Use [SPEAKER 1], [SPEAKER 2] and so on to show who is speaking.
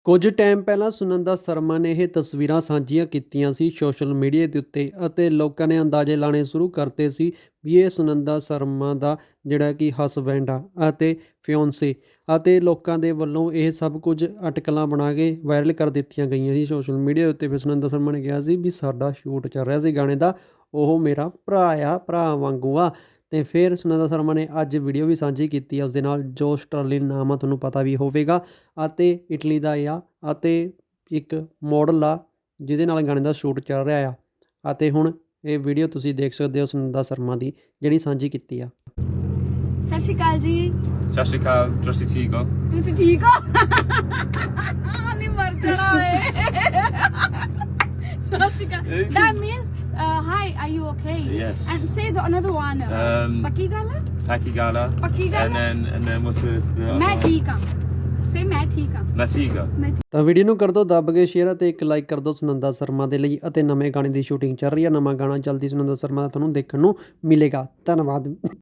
[SPEAKER 1] ਕੁਝ ਟਾਈਮ ਪਹਿਲਾਂ ਸੁਨੰਦਾ ਸ਼ਰਮਾ ਨੇ ਇਹ ਤਸਵੀਰਾਂ ਸਾਂਝੀਆਂ ਕੀਤੀਆਂ ਸੀ ਸੋਸ਼ਲ ਮੀਡੀਆ ਦੇ ਉੱਤੇ ਅਤੇ ਲੋਕਾਂ ਨੇ ਅੰਦਾਜ਼ੇ ਲਾਣੇ ਸ਼ੁਰੂ ਕਰਤੇ ਸੀ ਵੀ ਇਹ ਸੁਨੰਦਾ ਸ਼ਰਮਾ ਦਾ ਜਿਹੜਾ ਕਿ ਹਸਬੈਂਡ ਆ ਅਤੇ ਫਿਓਂਸੇ ਅਤੇ ਲੋਕਾਂ ਦੇ ਵੱਲੋਂ ਇਹ ਸਭ ਕੁਝ ਅਟਕਲਾਂ ਬਣਾ ਕੇ ਵਾਇਰਲ ਕਰ ਦਿੱਤੀਆਂ ਗਈਆਂ ਸੀ ਸੋਸ਼ਲ ਮੀਡੀਆ ਦੇ ਉੱਤੇ। ਫਿਰ ਸੁਨੰਦਾ ਸ਼ਰਮਾ ਨੇ ਕਿਹਾ ਸੀ ਵੀ ਸਾਡਾ ਸ਼ੂਟ ਚੱਲ ਰਿਹਾ ਸੀ ਗਾਣੇ ਦਾ, ਉਹ ਮੇਰਾ ਭਰਾ ਆ, ਭਰਾ ਵਾਂਗੂ ਆ। ਅਤੇ ਫਿਰ ਸੁਨੰਦਾ ਸ਼ਰਮਾ ਨੇ ਅੱਜ ਵੀਡੀਓ ਵੀ ਸਾਂਝੀ ਕੀਤੀ ਆ ਉਸਦੇ ਨਾਲ, ਜੋ ਸਟਰਲਿਨ ਨਾਮ ਆ, ਤੁਹਾਨੂੰ ਪਤਾ ਵੀ ਹੋਵੇਗਾ ਅਤੇ ਇਟਲੀ ਦਾ ਆ ਅਤੇ ਇੱਕ ਮਾਡਲ ਆ ਜਿਹਦੇ ਨਾਲ ਗਾਣੇ ਦਾ ਸ਼ੂਟ ਚੱਲ ਰਿਹਾ ਆ। ਅਤੇ ਹੁਣ ਇਹ ਵੀਡੀਓ ਤੁਸੀਂ ਦੇਖ ਸਕਦੇ ਹੋ ਸੁਨੰਦਾ ਸ਼ਰਮਾ ਦੀ ਜਿਹੜੀ ਸਾਂਝੀ ਕੀਤੀ ਆ।
[SPEAKER 2] ਸਤਿ ਸ਼੍ਰੀ ਅਕਾਲ ਜੀ।
[SPEAKER 3] ਸਤਿ ਸ਼੍ਰੀ ਅਕਾਲ, ਤੁਸੀਂ ਠੀਕ ਹੋ?
[SPEAKER 2] ਤੁਸੀਂ ਠੀਕ ਹੋ? ਨਹੀਂ ਮਰ ਜਾਣਾ ਓਏ। ਸਤਿ ਸ਼੍ਰੀ ਅਕਾਲ। That means hi, are you okay?
[SPEAKER 3] Yes.
[SPEAKER 2] And say the another one. ਪੱਕੀ ਗੱਲ ਹੈ?
[SPEAKER 3] Paki Gala.
[SPEAKER 2] ਪੱਕੀ ਗੱਲ ਹੈ?
[SPEAKER 3] And then what's the
[SPEAKER 2] ਮੈਂ ਠੀਕ ਹਾਂ। Say ਮੈਂ ਠੀਕ ਹਾਂ।
[SPEAKER 3] Natiga.
[SPEAKER 1] ਤਾਂ ਵੀਡੀਓ ਨੂੰ ਕਰ ਦਿਓ ਦੱਬ ਕੇ ਸ਼ੇਅਰ ਅਤੇ ਇੱਕ ਲਾਈਕ ਕਰ ਦਿਓ ਸੁਨੰਦਾ ਸ਼ਰਮਾ ਦੇ ਲਈ। ਅਤੇ ਨਵੇਂ ਗਾਣੇ ਦੀ ਸ਼ੂਟਿੰਗ ਚੱਲ ਰਹੀ ਹੈ, ਨਵਾਂ ਗਾਣਾ ਜਲਦੀ ਸੁਨੰਦਾ ਸ਼ਰਮਾ ਦਾ ਤੁਹਾਨੂੰ ਦੇਖਣ ਨੂੰ ਮਿਲੇਗਾ। ਧੰਨਵਾਦ।